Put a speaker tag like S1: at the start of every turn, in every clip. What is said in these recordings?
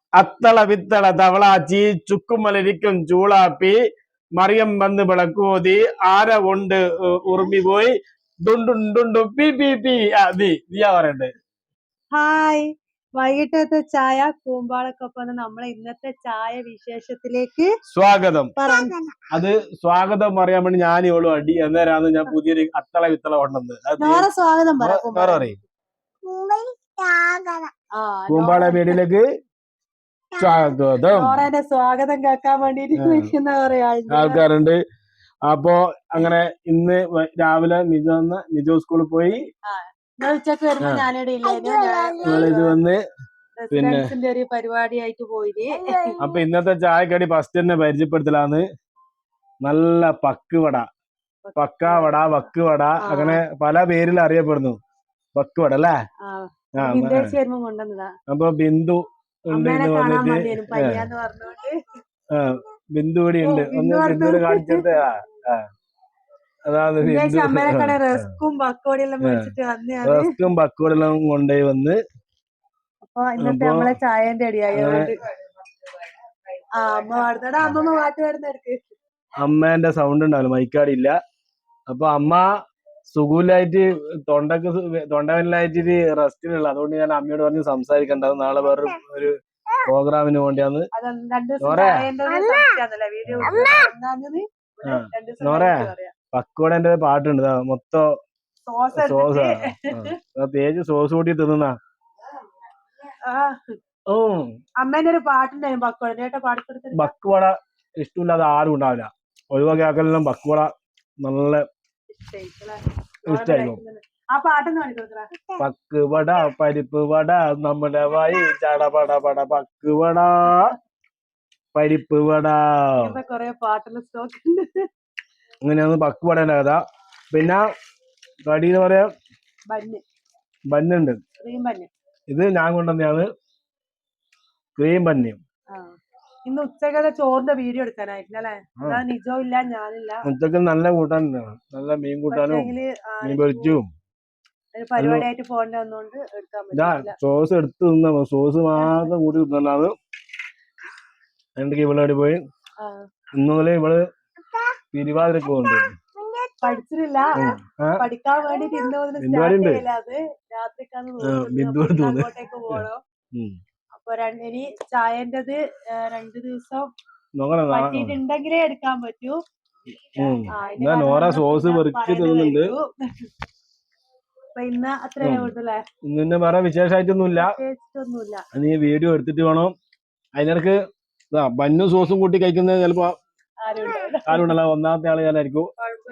S1: അത്തള വിത്തള തവളാച്ചി ചുക്കുമലരിക്കും ചൂളാപ്പി മറിയം വന്ന് വിളക്കോതി ആര കൊണ്ട് ഉറുമി പോയി ഡുണ്ടുണ്ടുണ്ടു പി പി പി നീയാ പറയണ്ടേ.
S2: ഹായ്, വൈകിട്ടത്തെ ചായ കൂമ്പാളക്കൊപ്പം നമ്മളെ ഇന്നത്തെ ചായ വിശേഷത്തിലേക്ക്
S1: സ്വാഗതം. അത് സ്വാഗതം പറയാൻ വേണ്ടി ഞാൻ ഇവളും അടി എന്നേരാന്ന് ഞാൻ പുതിയൊരു അത്തള വിത്തള കൊണ്ടുവന്നത്.
S2: സ്വാഗതം
S1: പറയും കൂമ്പാള വീടിലേക്ക് സ്വാഗതം.
S2: സ്വാഗതം കേൾക്കാൻ വേണ്ടിട്ട്
S1: ആൾക്കാരുണ്ട്. അപ്പൊ അങ്ങനെ ഇന്ന് രാവിലെ നിജോ സ്കൂളിൽ പോയി.
S2: ഉച്ചക്ക് വരുമ്പോ
S1: ഇത് വന്ന് പിന്നെ
S2: ഒരു പരിപാടിയായിട്ട് പോയി.
S1: അപ്പൊ ഇന്നത്തെ ചായക്കടി ഫസ്റ്റ് തന്നെ പരിചയപ്പെടുത്തലാന്ന്. നല്ല പക്കുവട, പക്കാവട, വക്കുവട, അങ്ങനെ പല പേരിൽ അറിയപ്പെടുന്നു. വക്കുവട അല്ലേ? അപ്പൊ ബിന്ദു ഉണ്ട് ഇന്ന് വന്നിട്ട്. ബിന്ദു കൂടി ഉണ്ട്. ഒന്ന് ബിന്ദുവിനെ കാണിച്ചിട്ട് അതാണ്
S2: റസ്കും പക്കോടിയെല്ലാം
S1: കൊണ്ടുപോയി വന്ന്.
S2: അപ്പൊ ഇന്നത്തെ നമ്മളെ ചായന്റെ അടിയായി.
S1: അമ്മേന്റെ സൗണ്ട് ഉണ്ടാവില്ല, മൈക്കാടില്ല. അപ്പൊ അമ്മ സുഖമില്ലായിട്ട് തൊണ്ടവേദനയിലായിട്ട് റെസ്റ്റിലുള്ള, അതുകൊണ്ട് ഞാൻ അമ്മയോട് പറഞ്ഞ് സംസാരിക്കണ്ട, നാളെ വേറെ ഒരു പ്രോഗ്രാമിന് വേണ്ടിയാന്ന്. നോറേ പക്കോടന്റെ പാട്ടുണ്ട്, മൊത്തം സോസ് തേച്ച് സോസ് കൂട്ടി തിന്നുന്ന.
S2: അമ്മേന്റെ ഒരു പാട്ടുണ്ടായിരുന്നു
S1: പക്കുവട ഇഷ്ടമില്ലാതെ ആരും ഉണ്ടാവില്ല. ഒഴിവാക്കി ആക്കലെല്ലാം പക്കുവട നല്ല ഇഷ്ടായിരുന്നു. പക്കുവട പരിപ്പ് വട നമ്മുടെ വായി ചടപട പട പക്കുവട പരിപ്പ് വട, അങ്ങനെയാണ് പക്കുവടേന്റെ കഥ. പിന്നെ കടി എന്ന് പറയാ ബന്നുണ്ട്. ഇത് ഞാൻ കൊണ്ടുവന്നെയാണ്, ക്രീം ബന്ന്.
S2: ഇന്ന് ഉച്ചക്കത്തെ ചോറിന്റെ വീഡിയോ എടുക്കാനായിട്ടില്ലേ? നിജോ ഇല്ല, ഞാനില്ല.
S1: ഉച്ചക്ക് നല്ല കൂട്ടാനുണ്ട്, നല്ല മീൻ കൂട്ടാനും മീൻ പൊരിച്ചും
S2: പരിപാടിയായിട്ട് പോകേണ്ടി വന്നോണ്ട് എടുക്കാൻ പറ്റില്ല.
S1: സോസ് എടുത്ത് തിന്ന, സോസ് മാത്രം കൂട്ടി തിന്നാണ്. എന്തൊക്കെ ഇവളോട് പോയി ഇന്നലെ ഇവള് തിരുവാതിരക്ക് പോകുന്നുണ്ട്.
S2: പഠിച്ചിട്ടില്ല, പഠിക്കാൻ വേണ്ടിട്ട് അങ്ങോട്ടേക്ക് പോകണം. അപ്പൊ ഇനി ചായന്റത് 2 ദിവസം പറ്റിയിട്ടുണ്ടെങ്കിലേ എടുക്കാൻ പറ്റൂ.
S1: നോറ സോസ് വെറുക്കി തിന്നുന്നുണ്ട്.
S2: അപ്പൊ ഇന്ന് അത്രയേ ഉള്ളൂല്ലേ.
S1: ഇന്ന് വേറെ വിശേഷമായിട്ടൊന്നുമില്ല. നീ വീഡിയോ എടുത്തിട്ട് വേണം. അതിനിടക്ക് ബന്നും സോസും കൂട്ടി കഴിക്കുന്നത് ചിലപ്പോ ആരുണ്ടല്ലോ, ഒന്നാമത്തെ ആള് ഞാനായിരിക്കും.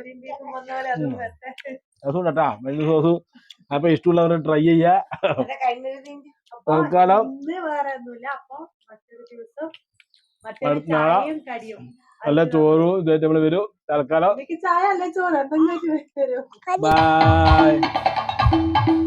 S1: രസമുണ്ടാ ബന്നു സോസ്. അപ്പൊ ഇഷ്ടമുള്ളവർ ട്രൈ ചെയ്യാ. തൽക്കാലം നല്ല ചോറും ഇതായിട്ട് നമ്മള് വരും. തൽക്കാലം ബൈ.